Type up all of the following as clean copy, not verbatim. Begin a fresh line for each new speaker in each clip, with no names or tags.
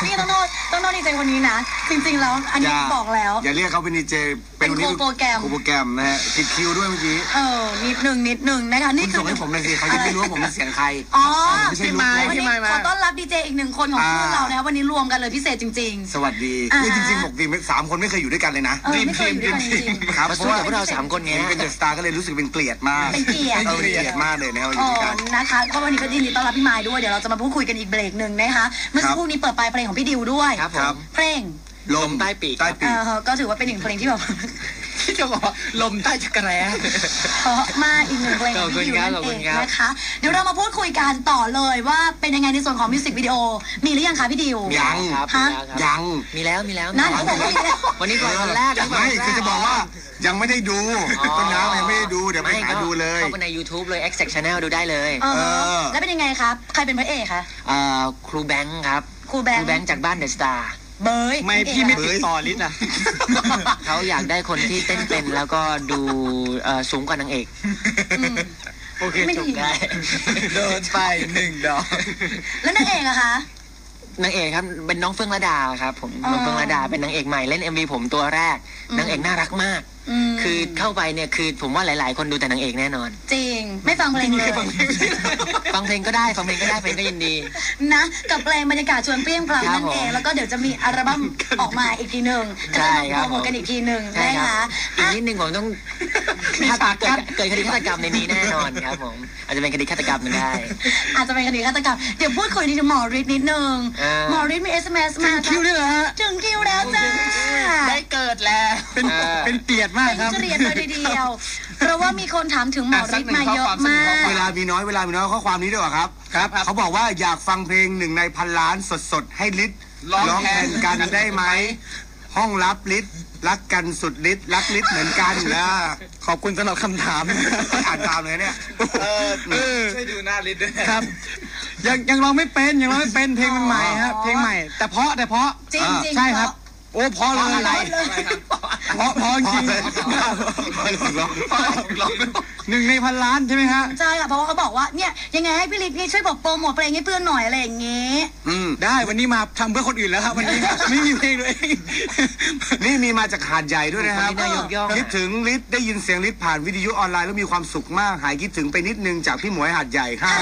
นี่ต้องโทษดีเจคนนี้นะจริงๆแล้วอันนี้บอกแล้ว
อย่าเรียกเขาเป็นดีเจเป็น
โปรแกร
มนะฮะผิดคิวด้วยเมื่อกี้
นิดหนึ่งนะคะนี่คือ
ส่งให้ผมเลยสิเขาจะไม่รู้ว่าผมเป็นเสียงใคร
ไม่ใช่พี่ไม้ขอต้อนรับดีเจอีก1 คนของพวกเรานะคะวันนี้รวมกันเลยพิเศษจริง
ๆสวัสดีนี่จริงๆปกติ3 คนไม่เคยอยู่ด้วยกันเลยนะ
ไม่เคยอยู่ด้วยกันจริง
ครับเพราะว่าพวกเรา3 คนนี้เป็นเดอะสตาร์ก็เลยรู้สึกเป็นเกลียดมาก
เป็นเกลียด
มากเลยนะครับอยู่ด้วยกัน
นะคะก็วันนี้ก็ยินดีต้อนรับพี่ไม้ด้วยเดี๋ยวเราจะมาพูดคุยกันอีกเบรกหนึ่งนะคะเมื่อสักครู่นี้เปิดปลายเพลงของพี่ดิวด้วยเพลง
ลมใต้ปีก
ก็ถือว่าเป็น1 เพลงที่แบบ
ที่จะบอกลมใต้จักรแร้
เพราะมากอีก1 เพลงของพี่ดิวนั่นเองนะคะเดี๋ยวเรามาพูดคุยกันต่อเลยว่าเป็นยังไงในส่วนของมิวสิกวิดีโอมีหรือยังคะพี่ดิว
ยังยัง
มีแล้ว
นั่นผมก็มีแล้ว
วันนี้วันแรก
ไม่คือจะบอกว่ายังไม่ได้ดูต้นน้ำยังไม่ได้ดูเดี๋ยวไปหาดูเลย
เข้าไปใน YouTube เลย Exact Channel ดูได้เลย
แล้วเป็นยังไงครับใครเป็นพระเอกคะ
ครูแบงค์ครับ
ครูแบงค์
จากบ้านเดอะสตาร์
เบย
ไม่พี่ไม่ติดต่อลิศอ่ะเขาอยากได้คนที่เต้นเป็นแล้วก็ดูสูงกว่านางเอกโอเคจบได้
เดินไป1 ดอก
แล้วนางเอกอะคะ
นางเอกครับเป็นน้องเฟื่องระดาครับผมน้องเฟื่องระดาเป็นนางเอกใหม่เล่น MV ผมตัวแรกนางเอกน่ารักมากคือเข้าไปเนี่ยคือผมว่าหลายๆคนดูแต่นางเอกแน่นอน
จริงไม่ฟังเพลงเลย
ฟังเพลงก็ได้เพลงก็ยินดี
นะกับเพลงบรรยากาศชวนเปรี้ยงปร้ำนั่นเองแล้วก็เดี๋ยวจะมีอัลบั้มออกมาอีกทีหนึ่งจะมาโปรโมทกันอีกทีหนึ่งนะคะ
อีกนิดนึงผมต้องเกิดคดีฆาตกรรมในนี้แน่นอนครับผมอาจจะเป็นคดีฆาตกรรมได้
อาจจะเป็นคดีฆาตกรรมเดี๋ยวพูดคุยนิดหมอฤทธิ์นิดนึงหมอฤทธิ์มี SMS มา
ถึงคิวด้วยเหรอฮะ
ถึงคิวแล้วจ้า
ได้เกิดแล้ว
เป็นเกียรติมากครับ
เป็นเกียรติเลยทีเดียวเพราะว่ามีคนถามถึงหมอฤทธิ์มาเยอะมาก
เวลามีน้อยข้อความนี้ด้วยเหรอครับเขาบอกว่าอยากฟังเพลง1 ใน 1,000 ล้านสดๆให้ฤทธิ์ร้องแทนกันได้ไหมห้องรับฤทธิ์รักกันสุดฤทธิ์รักฤทธิ์เหมือนกันนะขอบคุณสำหรับคำถามอ่านตามเลยเนี่ย
ช่วยดูหน้าฤทธิ์ด้วย
ครับยังร้องไม่เป็นเพลงใหม่ครับเพลงใหม่แต่เพราะ
จริง
ใช่ครับโอ้พอเลยอะไรพอจริง1 ใน 1,000 ล้านใช่ไหมฮะ
ใช่ค่ะเพราะว่าเขาบอกว่าเนี่ยยังไงให้พี่ฤทธิ์ช่วยบอกโปรโมทเพลงให้เพื่อนหน่อยอะไรอย่างเงี้ย
ได้วันนี้มาทำเพื่อคนอื่นแล้วครับวันนี้ไม่มีเพลงเลยนี่มีมาจากหาดใหญ่ด้วยนะครับคิดถึงฤทธิ์ได้ยินเสียงฤทธิ์ผ่านวิทยุออนไลน์แล้วมีความสุขมากหายคิดถึงไปนิดนึงจากพี่หมวยหาดใหญ่ค่ะ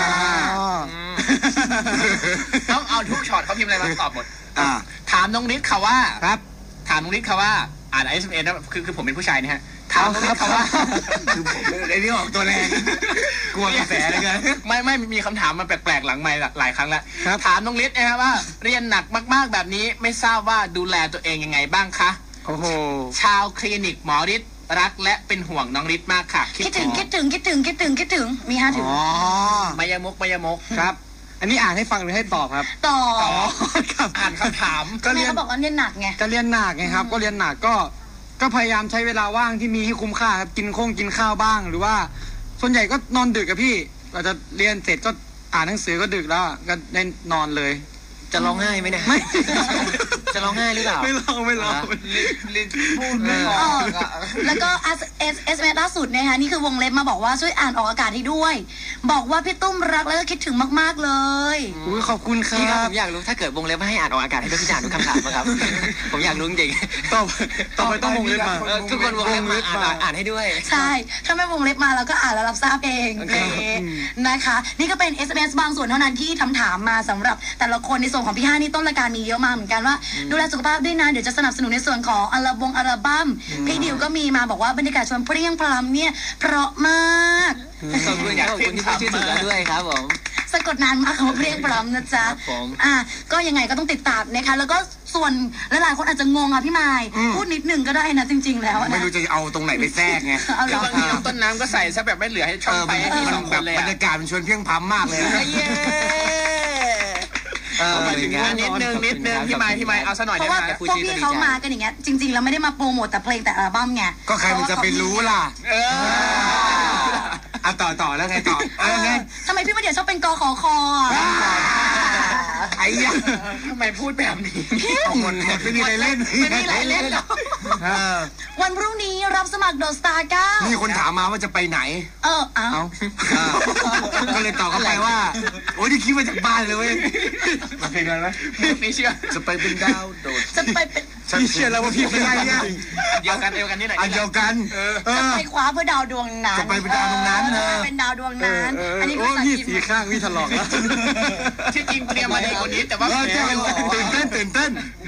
ต้องเอาทุกช็อตเขาพิมพ์อะไรมาตอบหมดถามน้องฤทธิ์เขาว่า
ครับ
ถามน้องฤทธิ์เขาว่าอ่าน SMS นะคือผมเป็นผู้ชายนี่ฮะถามน้องฤทธิ์เขาว่า
คือผมไอ้นี่ออกตัวแรงกลัวกระแสเลยไง
ไม่มีคำถามมาแปลกๆหลังไมค์หลายครั้งแล้วถามน้องฤทธิ์นะครับว่าเรียนหนักมากๆแบบนี้ไม่ทราบว่าดูแลตัวเองยังไงบ้างคะ
โอ้โห
ชาวคลินิกหมอฤทธิ์รักและเป็นห่วงน้องฤทธิ์มากค่ะ
คิดถึงมี5 ถึง
มายมก
ครับอันนี้อ่านให้ฟังหรือให้ตอบครับ
ตอบ
อ่านคำถาม
ก็เรียนเขาบอกว่าเรียนหนักไง
ก็เรียนหนักไงครับก็เรียนหนักก็พยายามใช้เวลาว่างที่มีให้คุ้มค่าครับกินข้าวบ้างหรือว่าส่วนใหญ่ก็นอนดึกกับพี่เราจะเรียนเสร็จก็อ่านหนังสือก็ดึกแล้วก็ได้นอนเลย
จะร้องไห้ไหมเนี่ย
ไม่
จะร้องไห้หรือเปล่า
ไม่ร้อง
พูดไม่ออก
แล้วก็SMS ล่าสุดนะคะนี่คือวงเล็บมาบอกว่าช่วยอ่านออกอากาศให้ด้วยบอกว่าพี่ตุ้มรักแล้วก็คิดถึงมากๆเลย
อุ้ยขอบคุณครับ
พี่ครับผมอยากรู้ถ้าเกิดวงเล็บให้อ่านออกอากาศให้ด้วยพี่จะอ่านทุกคำถามไหมครับผมอยากรู้จริง
ต่อไปต้องวงเล็บมา
ทุกคนวงเล็บมาอ่านให้ด้วย
ใช่ถ้าไม่วงเล็บมาเราก็อ่านแล้วรับทราบเองนะคะนี่ก็เป็น SMS บางส่วนเท่านั้นที่ถามมาสำหรับแต่ละคนในส่วนของพี่5นี่ต้นรายการมีเยอะมากเหมือนกันว่าดูแลสุขภาพด้วยนะเดี๋ยวจะสนับสนุนในส่วนของอัลบั้มพี่ดิวก็มีมาบอกว่าบรรยากาศชวนเปรี้ยงปร้ำเนี่ยเพราะมาก
ขอบคุณที่พูดชื่อถูกแล้วด้วยครับผม
สะกดนานมากคำว่าเปรี้ยงปร้ำนะจ๊ะก็ยังไงก็ต้องติดตามนะคะแล้วก็ส่วนหลายๆคนอาจจะงงอ่ะพี่ไมค์พูดนิดนึงก็ได้นะจริงๆแล้ว
ไม่รู้จะเอาตรงไหนไปแทรกไง
บางทีน้ำต้นน้ำก็ใส่ซะแบบไม่เหลือให้ช่องไปให้สองคนเลย
บรรยากาศมันชวนเพียงพร้ำมากเลย
มาถึงนิดนึงพี่ไมค์เอาซะหน่อย
เพราะว่าพวกพี่เขามากันอย่างเงี้ยจริงๆแล้วไม่ได้มาโปรโมทแต่เพลงแต่อัลบั้มไง
ก็ใครมันจะไปรู้ล่ะต่อแล้วไงต่อ
ทำไมพี่มาเดี๋ยวชอบเป็นกขค
ไออ้ยะ
ทำไมพูดแบบนี้
เอาหมดไม่มีอะไรเล่น
ไม่มีอะไรเล่นหรอกวันพรุ่งนี้รับสมัคร The Star 9
มีคนถามมาว่าจะไปไหน
เอ้า
ก็เลยตอบเข้าไปว่าโอ้ยนี่คิดมาจากบ้านเลยเว้ยมาเพลงอะไรนะ
ไม่เชื่อ
จะไปเป็นดาวโดด
จะไปเป็น
พี่เชื่อแล้วว่าพี่เป็นอะไรเนี่ย
เดียวกันนี่ไหน
เดียวกัน
จะไปคว้าเพื่อดาวดวงนั้น
จะไปเป็นดาวดวงนั้น
เป็นดาวดวงนั้นอันนี้
ก็พี่สีข้างพี่ถลอกแล้ว
ที่จริงเตรียมมาดีกว่านี้แต่ว่า
ตื่นเต้น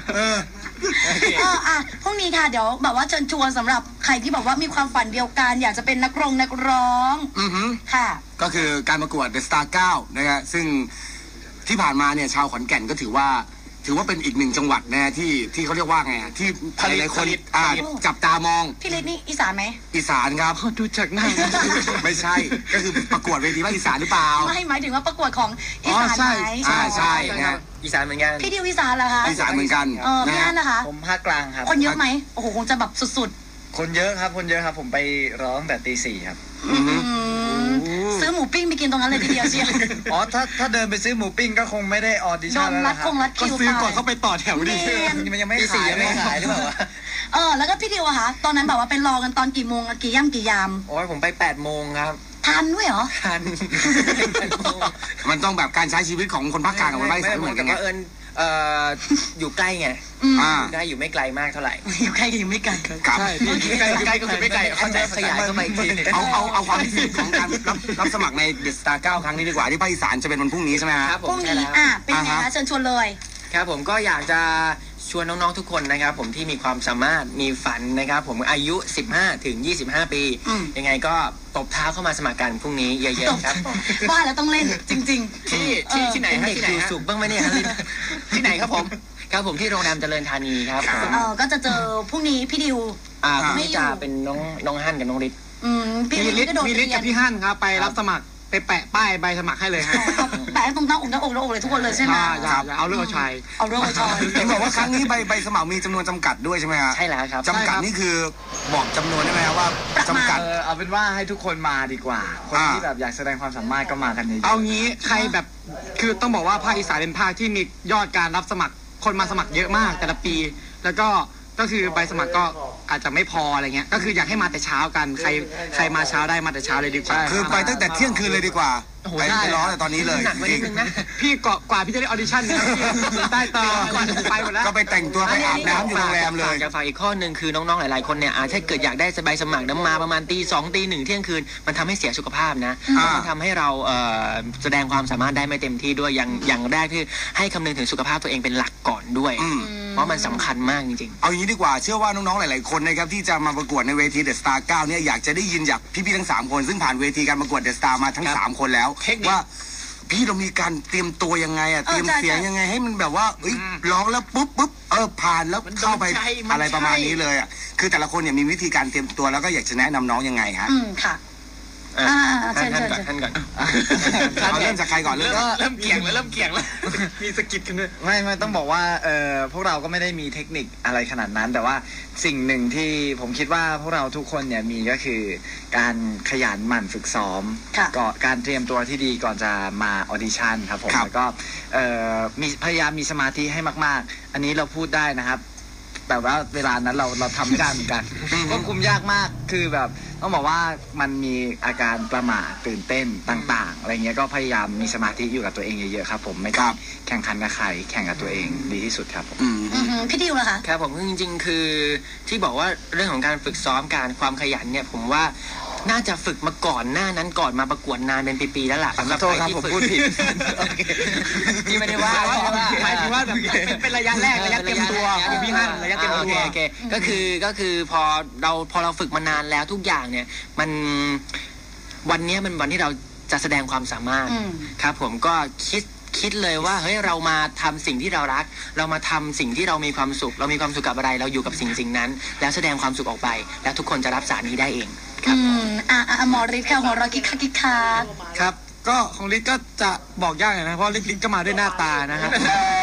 พรุ่งนี้ค่ะเดี๋ยวแบบว่าเชิญชวนสำหรับใครที่แบบว่ามีความฝันเดียวกันอยากจะเป็นนักร้องค่ะ
ก็คือการประกวด The Star 9นะฮะซึ่งที่ผ่านมาเนี่ยชาวขอนแก่นก็ถือว่าเป็นอีกหนึ่งจังหวัดนะที่เขาเรียกว่าไงที่หลายคนจับตามอง
พี่ฤทธิ์นี่อีสานไหม
อีสานครับ
ดูจากหน้า
ไม่ใช่ก็คือประกวดเวทีภาคอีสานหรือเปล่า
ไม่หมายถึงว่าประกวดของอีสานไหม
ใช่นะ
อีสานเหมือนกัน
พี่ดิวอีสานเหรอคะ
อีสานเหมือนกัน
พี่อันนะคะ
ผมภาคกลางครับ
คนเยอะไหมโอ้โหคงจะแบบสุด
ๆคนเยอะครับผมไปร้องแต่ตี 4ครับ
ซื้อหมูปิ้งไปกินตรงนั้นเลยทีเดียวเชียว
อ๋อถ้าเดินไปซื้อหมูปิ้งก็คงไม่ได้ออดิชั่นแล้ว
นะครับ
ก็ซื้อก่อนเข้าไปต่อแถวดิ
มันยังไม่ขายหรือเปล่า
แล้วก็พี่ดิวอะคะตอนนั้นแบบว่าไปรอกันตอนกี่โมงกี่ย่ำกี่ยาม
โอ้ยผมไป8 โมงครับ
ทันด้วยเหรอ
ทัน
มันต้องแบบการใช้ชีวิตของคนภาคกลางกับคนภาคอีสานเหมือนกันไง
อยู่ใกล้ไงได้อยู่ไม่ไกลมากเท่าไหร่
อยู่ใกล้อยู่ไม่ไกล
ใช่
ใกล้ก็คือไม่ไกลเขาจะขยายเข้าไปที
เอาความพิเศษของการรับสมัครใน The Star 9 ครั้งนี้ดีกว่าที่ภาคอีสานจะเป็นวันพรุ่งนี้ใช่ไหมครับ
พรุ่งนี้เป็นไงคะเชิญชวนเลย
ครับผมก็อยากจะชวนน้องๆทุกคนนะครับผมที่มีความสามารถมีฝันนะครับผมอายุ15 ถึง 25 ปียังไงก็ตบเท้าเข้ามาสมัครกันพรุ่งนี้เยอะๆครับ
ว่าแล้วต้องเล่นจริง
ๆที่ไหนครับที่ไหนสุขบ้างไหมเนี่ยที่ไหนครับผมครับผมที่โรงแรมเจริญธานีครับ
ก็จะเจอพรุ่งนี้พี่ดิว
ไม่จะเป็นน้องฮั่นกับน้องฤทธิ์
พี่ฤทธิ์
กับพี่ฮั่นครับไปรับสมัครไปแปะป้ายใบสมัครให้เลยฮะ
แปะตรงหน้าอกเลยทุกคนเลยใช่ไหม
เอาเรื่องชายเห็นบอกว่าครั้งนี้ใบสมัครมีจำนวนจำกัดด้วยใช่ไหมครับ
ใช่แล้วครับ
จำกัดนี่คือบอกจำนวนได้ไหมครับว่าจำกัด
เอาเป็นว่าให้ทุกคนมาดีกว่าคนที่แบบอยากแสดงความสามารถก็มากันเยอะ
เอางี้ใครแบบคือต้องบอกว่าภาคอีสานเป็นภาคที่มียอดการรับสมัครคนมาสมัครเยอะมากแต่ละปีแล้วก็คือใบสมัครก็อาจจะไม่พออะไรเงี้ยก็คืออยากให้มาแต่เช้ากันใครมาเช้าได้มาแต่เช้าเลยดีกว่าคือไปตั้งแต่เที่ยงคืนเลยดีกว่าไปร้องแต่ตอนนี้เลยพี่กว่าพี่จะได้ออดิชั่นได้ต่อไปหมดแล้วก็ไปแต่งตัวไปอาบน้ำอยู่โรงแรมเลย
จะฝากอีกข้อหนึ่งคือน้องๆหลายๆคนเนี่ยถ้าเกิดอยากได้ใบสมัครน้ำมาประมาณตี 2 ตี 1เที่ยงคืนมันทำให้เสียสุขภาพนะมันทำให้เราแสดงความสามารถได้ไม่เต็มที่ด้วยอย่างแรกคือให้คำนึงถึงสุขภาพตัวเองเป็นหลักก่อนด้วยเพราะมันสำคัญมากจริงๆ
เอาอย่างนี้ดีกว่าเชื่อว่าน้องๆหลายๆคนนะครับที่จะมาประกวดในเวที The Star 9เนี่ยอยากจะได้ยินจากพี่ๆทั้ง3คนซึ่งผ่านเวทีการประกวด The Star มาทั้ง3คนแล้วว่าพี่เรามีการเตรียมตัวยังไงเตรียมเสียงยังไงให้มันแบบว่าร้องแล้วปุ๊บผ่านแล้วเข้าไปอะไรประมาณนี้เลยคือแต่ละคนเนี่ยมีวิธีการเตรียมตัวแล้วก็อยากจะแนะนำน้องยังไงฮะ
ค่ะ
ท่านก่อน
เอาเริ่มจากใครก่อนเ
ริ่มเกี่ยงแล้วมีสกิดกันด้วยไม่ต้องบอกว่าพวกเราก็ไม่ได้มีเทคนิคอะไรขนาดนั้นแต่ว่าสิ่งหนึ่งที่ผมคิดว่าพวกเราทุกคนเนี่ยมีก็คือการขยันหมั่นฝึกซ้อมการเตรียมตัวที่ดีก่อนจะมาออดิชั่นครับผมแล้วก็มีพยายามมีสมาธิให้มากๆอันนี้เราพูดได้นะครับแต่ว่าเวลานั้นเราทำไม่ได้เหมือนกันควบคุมยากมากคือแบบต้องบอกว่ามันมีอาการประหม่าตื่นเต้นต่างๆอะไรเงี้ยก็พยายามมีสมาธิอยู่กับตัวเองเยอะๆครับผมไม่ต้องแข่งขันกับใครแข่งกับตัวเองดีที่สุดครับผม
พี่ดิวเหรอคะ
ครับผมจริงๆคือที่บอกว่าเรื่องของการฝึกซ้อมการความขยันเนี่ยผมว่าน่าจะฝึกมาก่อนหน้านั้นก่อนมาประกวดนานเป็นปีๆแล้วล่ะ
สำหรับใครที่ฝึกพูดผิด
ที่ไม่ได้ว่าหมายถึงว่าแบบเป็นระยะแรกระยะเตรียมตัวพี่ฮั่นระยะเตรียมตัวโอเคก็คือพอเราฝึกมานานแล้วทุกอย่างเนี่ยมันวันนี้มันวันที่เราจะแสดงความสามารถครับผมก็คิดเลยว่าเฮ้ยเรามาทำสิ่งที่เรารักเรามาทำสิ่งที่เรามีความสุขเรามีความสุขกับอะไรเราอยู่กับสิ่งนั้นแล้วแสดงความสุขออกไปแล้วทุกคนจะรับสารนี้ได้เองครับ
หมอฤทธิ์ค่ะหัวเราะคิก
ครับก็ของฤทธิ์ก็จะบอกยากหน่อยนะเพราะฤทธิ์ก็มาด้วยหน้าตานะฮะ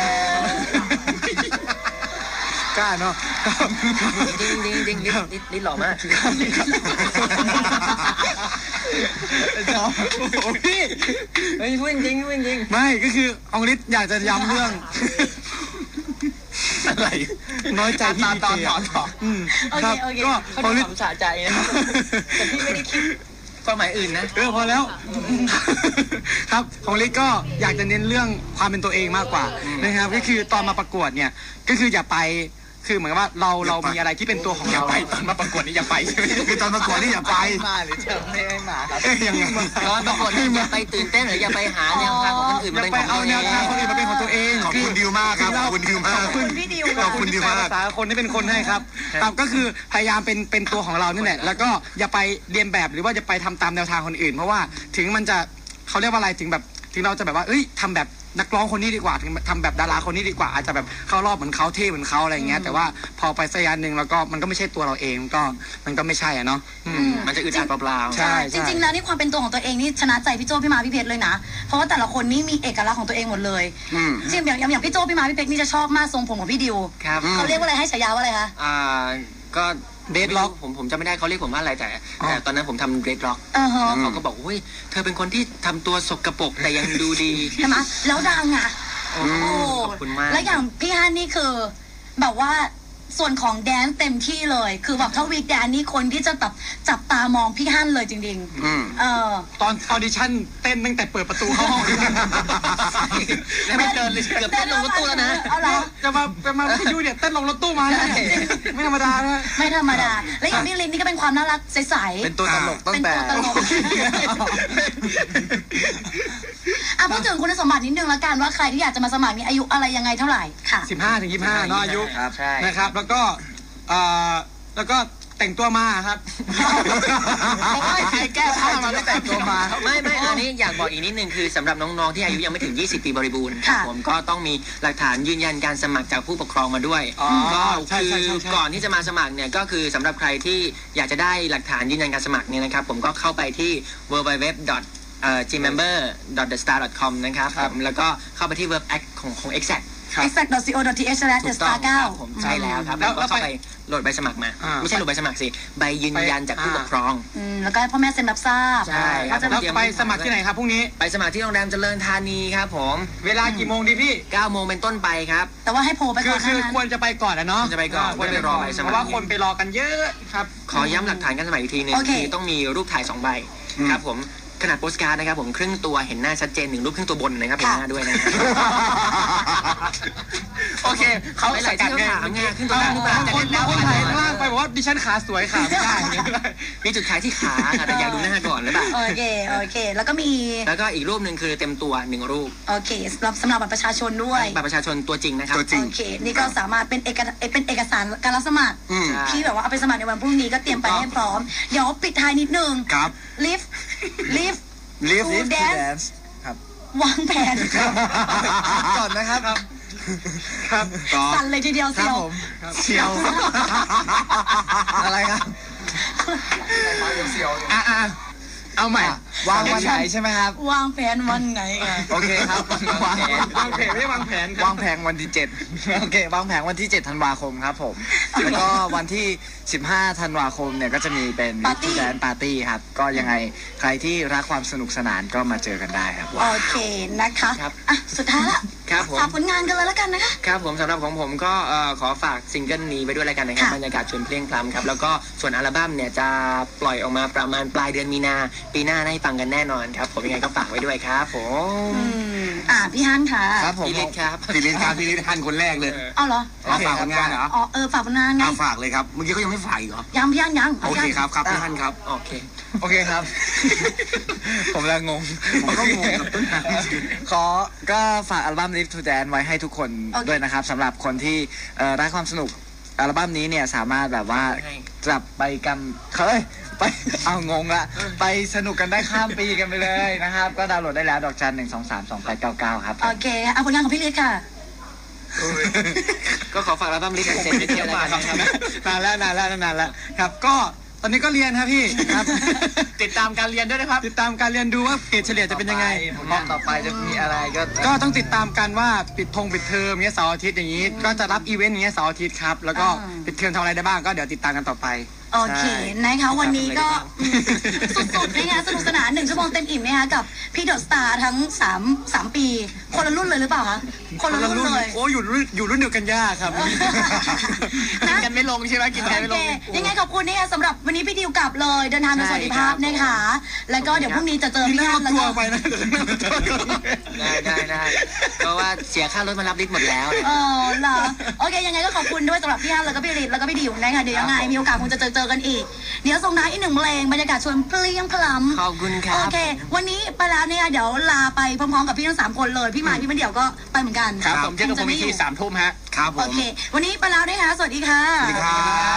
กล้าเนาะ
จริงฤทธิ์หล่อมากชอบโอ้พี่เฮ้ยพูดจริงพูดจริง
ไม่ก็คืออองฤทธิ์อยากจะย้ำเรื่องอะไรน้อยใจที่ดีเจครับก็อองฤทธิ์
สะใจนะแต่พี่ไม่ได้คิดความหมายอื่นนะ
พอแล้วครับของฤทธิ์ก็อยากจะเน้นเรื่องความเป็นตัวเองมากกว่านะครับก็คือตอนมาประกวดเนี่ยก็คืออย่าไปคือเหมือนว่าเรามีอะไรที่เป็นตัวของเราไปตอนมาประกวดนี่อย่าไปใช่ไหม
คือตอนประกวดนี่อย่าไป
มาหรือจะไม่ให้มาครับ
ยังไง
ตอนประกวดนี่อย่าไปตื่นเต้นหรืออย่าไปหาแนวทางของคนอื่นมาเป็นของตัวเอง
เอาแนวทางคนอื่นมาเป็นของตัวเอง
ขอบคุณดิวมากครับขอบคุณดิวมาก
ขอบคุณพี่ดิว
ขอบคุณดิวมาก
ภาษาคนที่เป็นคนให้ครับก็คือพยายามเป็นตัวของเรานี่แหละแล้วก็อย่าไปเรียนแบบหรือว่าจะไปทำตามแนวทางคนอื่นเพราะว่าถึงมันจะเขาเรียกว่าอะไรถึงเราจะแบบว่าทำแบบนักร้องคนนี้ดีกว่าถึงทำแบบดาราคนนี้ดีกว่าอาจจะแบบเข้ารอบเหมือนเขาเท่เหมือนเขาอะไรอย่างเงี้ยแต่ว่าพอไปสักระยะหนึ่งแล้วก็มันก็ไม่ใช่ตัวเราเองมันก็ไม่ใช่อ่ะเนาะ
มันจะอึดอัดเปล่า
ๆใช่
จริงๆแล้วนี่ความเป็นตัวของตัวเองนี่ชนะใจพี่โจพี่มาพี่เพชรเลยนะเพราะว่าแต่ละคนนี่มีเอกลักษณ์ของตัวเองหมดเลยจริงอย่างพี่โจพี่มาพี่เพชรนี่จะชอบมากทรงผมของพี่ดิวเขาเรียกว่าอะไรให้ฉายาว่าอะไรคะ
ก็เดดล็อกผมจำไม่ได้เขาเรียกผมว่าอะไรแต่ตอนนั้นผมทำเดดล็อกแล้วเขาก็บอกเฮ้ยเธอเป็นคนที่ทำตัวสกปรกแต่ยังดูดี
ใช่ไหมแล้วดังอ่ะ
โอ้ขอบคุณมาก
แล้วอย่างพี่ฮันนี่คือแบบว่าส่วนของแดนเต็มที่เลยคือแบบถ้าวีคแดนนี่คนที่จะแบบจับตามองพี่ฮั่นเลยจริง
ๆตอนออดิชั่นเต้นตั้งแต่เปิดประตูเข้าห้อง
ไม่เดินเลยเกือบเต้นลงรถตู้แล้วนะ
จะมาพี่ยูเนี่ยเต้นลงรถตู้มาไม่ธรรมดานะ
ไม่ธรรมดาและอย่างพี่ลินนี่ก็เป็นความน่ารักใสๆ
เป็นตัวตลกตั้งแต่
พูดถึงคุณสมบัตินิดนึงแล้วกันว่าใครที่อยากจะมาสมัครมีอายุอะไรยังไงเท่าไหร่ค่ะ
15 ถึง 25เนาะอายุนะครับแล้วก็แต่งตัวมาครับ
ใครแก้ผ้ามาไม่แต่งตัวมาไม่อันนี้อยากบอกอีกนิดนึงคือสำหรับน้องๆที่อายุยังไม่ถึง20 ปีบริบูรณ์ผมก็ต้องมีหลักฐานยืนยันการสมัครจากผู้ปกครองมาด้วยก็คือก่อนที่จะมาสมัครเนี่ยก็คือสำหรับใครที่อยากจะได้หลักฐานยืนยันการสมัครเนี่ยนะครับผมก็เข้าไปที่ www.gmember.thestar.com นะครับแล้วก็เข้าไปที่ web app ของ
exact.co.th/thestar9
ผมใช่แล้วครับแล้วก็เข้าไปโหลดใบสมัครมาไม่ใช่โหลดใบสมัครสิใบยืนยันจากผู้ปกครอง
แล้วก็ให้พ่อแม่เซ็นรับทราบ
ใช่ครับ
แล้วไปสมัครที่ไหนครับพรุ่งนี้
ไปสมัครที่โรงแรมเจริญธานีครับผม
เวลากี่โมงดีพี่
9 โมงเป็นต้นไปครับ
แต่ว่าให้โผล่ไปก่อน
คือควรจะไปก่อนนะเนาะ
จะไปก่อนควรไปรอใบสมัครเพ
ราะว่าคนไปรอกันเยอะครับ
ขอย้ำหลักฐานการสมัครอีกทีนึงคือต้องมีรูปถ่าย2 ใบครับผมขนาดโปสการ์ดนะครับผมครึ่งตัวเห็นหน้าชัดเจน1 รูปครึ่งตัวบนนะครับเห็นหน้าด้วยนะ
โอเคเขาใส่กัดไง
ขึ้นตัวหน้าขึ้นมา
คนถ่ายข้างล่างไปบอกว่าดิฉันขาสวยขาไม่ได้
มีจุดขายที่ขาค่ะแต่อยากดูหน้าก่อนหรือเปล่า
โอเคแล้วก็
อีกรูปหนึ่งคือเต็มตัว1 รูป
โอเคสำหรับบัตรประชาชนด้วย
บัตรประชาชนตัวจริงนะครับ
โอเคนี่ก็สามารถเป็นเอกสารการรับสมัครที่แบบว่าเอาไปสมัครในวันพรุ่งนี้ก็เตรียมไปให้พร้อมเดี๋ยวปิดท้ายนิดนึง
ครับ
live
to
dance
ครับ
วางแผน
ก่อนนะครับ
สั่นเลยทีเดียวเ
ชียว
อะไรครับ
เชียวเอาใหม่
วางวันไหนใช่ไหมครับ
วางแผนวันไหน
โอเคครับ
วางแผนไม่วางแผน
วางแผนวันที่7โอเควางแผนวันที่7 ธันวาคมครับผมแล้วก็วันที่15 ธันวาคมเนี่ยก็จะมีเป็นแดนปาร์ตี้ครับก็ยังไงใครที่รักความสนุกสนานก็มาเจอกันได้ครับ
โอเคนะคะสุดท้ายละฝากผลงานกันเลยแล้วกันนะคะ
ครับผมสำหรับของผมก็ขอฝากซิงเกิลนี้ไปด้วยแล้วกันนะครับบรรยากาศชวนเพลงพล้ำครับแล้วก็ส่วนอัลบั้มเนี่ยจะปล่อยออกมาประมาณปลายเดือนมีนาปีหน้าได้ฟังกันแน่นอนครับผมยังไงก็ฝากไว้ด้วยครับผม
พี่ฮั่นค่ะ
ครับผม
พี่ลิศครับพี่ลิศฮั่นคนแรกเลย
เอาเหรอ
ฝากผลงานเหรอ
ฝากผลงานไง
ฝากเลยครับเมื่อกี้เขายังไม่ฝากอีกเหรอ
ยังพี่ฮั่นยัง
โอเคครับพี่ฮั่นครับ
โอเคครับผมละงง
ผมก็งงกับต้นทาง
ก็ฝากอัลบั้ม Live to Dance ไว้ให้ทุกคนด้วยนะครับสำหรับคนที่รักความสนุกอัลบั้มนี้เนี่ยสามารถแบบว่าจับไปกันไปเอางงละไปสนุกกันได้ข้ามปีกันไปเลยนะครับก็ดาวน์โหลดได้แล้วดอกจัน1232899ครับ
โอเคเอาผลงานของพี่ลิศค่ะ
ก็ขอฝากอัลบั้ม Live to Dance ไปเที่ยวกัน
นานแล้วครับก็ตอนนี้ก็เรียนครับพี่ครับ
ติดตามการเรียนด้วยนะครับ
ติดตามการเรียนดูว่าเกรดเฉลี่ยจะเป็นยังไง
ต่อไปจะมีอะไร
ก็ต้องติดตามกันว่าปิดเทอมเงี้ยเสาร์อาทิตย์อย่างนี้ก็จะรับอีเวนต์อย่างเงี้ยเสาร์อาทิตย์ครับแล้วก็ปิดเทอมทำอะไรได้บ้างก็เดี๋ยวติดตามกันต่อไป
โอเคนะคะวันนี้ก็สุดๆนะคะสนุกสนาน1 ชั่วโมงเต็มอิ่มนะคะกับพี่เดอะสตาร์ทั้ง3 ปี คนละรุ่นเลยหรือเปล่าคะคนละรุ่นเลย
โอ้อยู่รุ่นเดียวกันยากครับกินกันไม่ลงใช่ไหมกินกันไม่ลง
ยังไงขอบคุณนะคะสำหรับวันนี้พี่ดิวกลับเลยเดินทางโดยสวัสดิภาพนะคะแล้วก็เดี๋ยวพรุ่งนี้จะเจอพี่ฮันแล้วก็
ได้เพราะว่าเสียค่ารถมารับลิฟต์หมดแล้ว
เหรอโอเคยังไงก็ขอบคุณด้วยสำหรับพี่ฮันแล้วก็พี่ฤทธิ์แล้วก็พี่ดิวนะคะเดี๋ยวยังไงมีโอกาสคงจะเจอกันอีกเดี๋ยวส่งท้ายอีก1 เพลงบรรยากาศชวนเพลียงพล้ำ
ขอบคุณครับ
โอเควันนี้ไปแล้วเนี่ยเดี๋ยวลาไปพร้อมๆกับพี่ทั้ง3 คนเลยพี่หมายพี่มะเดี่ยวก็ไปเหมือนกัน
ครับผมเจอกันพรุ่งนี้ที่3 ทุ่มฮะ
ครับผ
โอ
ม
เควันนี้ไปแล้วนะคะสวัสดีค่ะ
สวัสดีครับ